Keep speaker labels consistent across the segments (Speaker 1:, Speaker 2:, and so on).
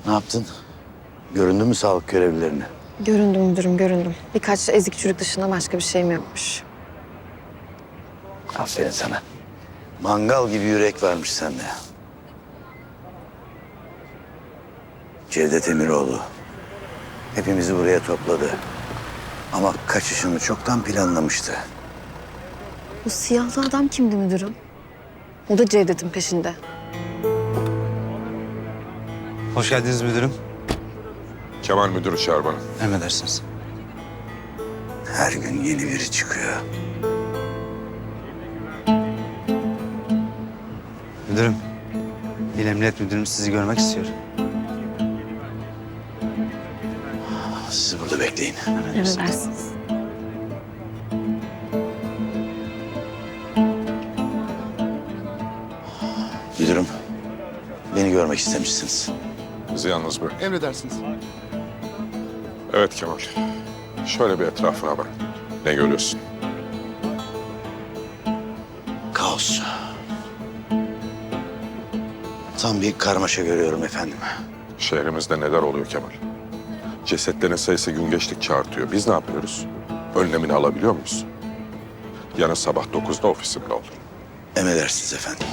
Speaker 1: Ne yaptın? Göründü mü sağlık görevlilerine?
Speaker 2: Göründüm müdürüm, göründüm. Birkaç ezik çürük dışında başka bir şeyim yokmuş.
Speaker 1: Aferin sana. Mangal gibi yürek varmış sende. Cevdet Emiroğlu hepimizi buraya topladı. Ama kaçışını çoktan planlamıştı.
Speaker 2: Bu siyahlı adam kimdi müdürüm? O da Cevdet'in peşinde.
Speaker 3: Hoş geldiniz müdürüm.
Speaker 4: Kemal müdürü çağır bana.
Speaker 3: Emredersiniz.
Speaker 1: Her gün yeni biri çıkıyor.
Speaker 3: Müdürüm, İl Emniyet Müdürüm sizi görmek istiyor.
Speaker 1: Siz burada bekleyin.
Speaker 2: Emredersiniz.
Speaker 1: Müdürüm, beni görmek istemişsiniz.
Speaker 4: Bizi yalnız bırak.
Speaker 5: Emredersiniz.
Speaker 4: Evet Kemal. Şöyle bir etrafına bak. Ne görüyorsun?
Speaker 1: Kaos. Tam bir karmaşa görüyorum efendim.
Speaker 4: Şehrimizde neler oluyor Kemal? Cesetlerin sayısı gün geçtikçe artıyor. Biz ne yapıyoruz? Önlemini alabiliyor muyuz? Yarın sabah 9'da ofisimde ol.
Speaker 1: Emredersiniz efendim.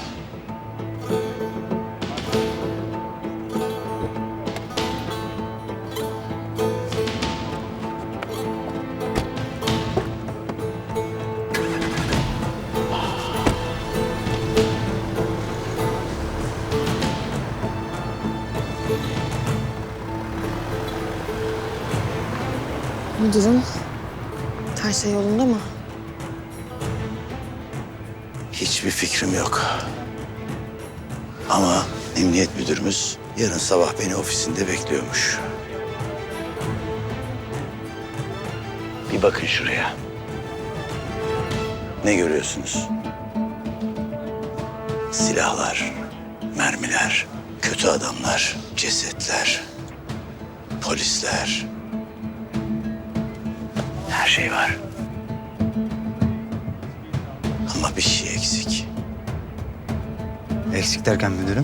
Speaker 2: Müdürüm, her şey yolunda mı?
Speaker 1: Hiçbir fikrim yok. Ama emniyet müdürümüz yarın sabah beni ofisinde bekliyormuş. Bir bakın şuraya. Ne görüyorsunuz? Silahlar, mermiler, kötü adamlar, cesetler, polisler. Her şey var. Ama bir şey eksik.
Speaker 3: Eksik derken müdürüm?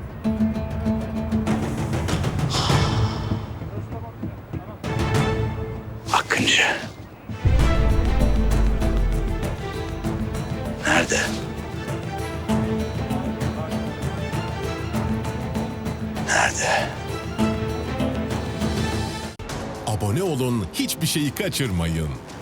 Speaker 1: Akıncı. Nerede? Nerede?
Speaker 6: Abone olun, hiçbir şeyi kaçırmayın.